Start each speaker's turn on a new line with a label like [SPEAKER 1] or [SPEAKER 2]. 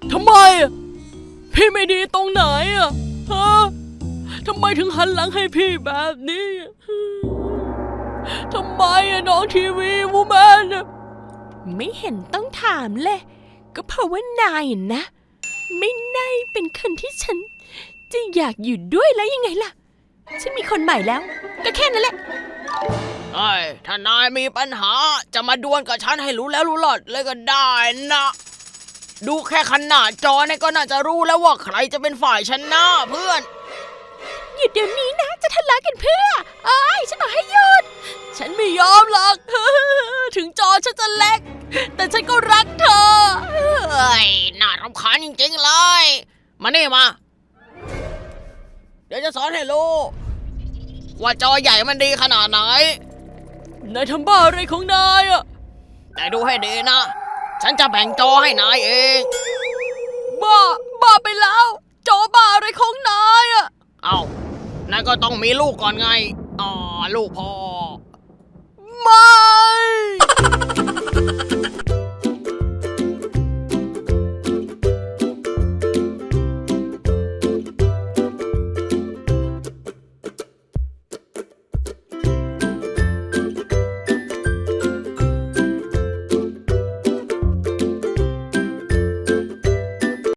[SPEAKER 1] ทำไมพี่ไม่ดีตรงไหนอะฮะทำไมถึงหันหลังให้พี่แบบนี้ทำไมน้องทีวีวูแมนไม่เห็นต้องถามเลยก็เพราะว่านายนะไม่น่าเป็นคนที่ฉันจะอยากอยู่ด้วยแล้วยังไงล่ะฉันมีคนใหม่แล้วก็แค่นั้นแหละถ้านายมีปัญหาจะมาดวลกับฉันให้รู้แล้วรู้หลอดเลยก็ได้นะดูแค่ขนาดจอเนี่ยก็น่าจะรู้แล้วว่าใครจะเป็นฝ่ายชนะเพื่อนหยุดเดี๋ยวนี้นะจะทะเลาะกันเพื่อฉันบอกให้หยุดฉันไม่ยอมหรอก ถึงจอฉันจะเล็กแต่ฉันก็รักเธอน่ารำคาญจริงๆเลยมานี่มาเดี๋ยวจะสอนให้รู้ว่าจอใหญ่มันดีขนาดไหนนายทำบ้าอะไรของนายอะแต่ดูให้ดีนะฉันจะแบ่งจอให้นายเองบ้าไปแล้วจอบ้าอะไรของนายอะนายก็ต้องมีลูกก่อนไงลูกพ่อไม่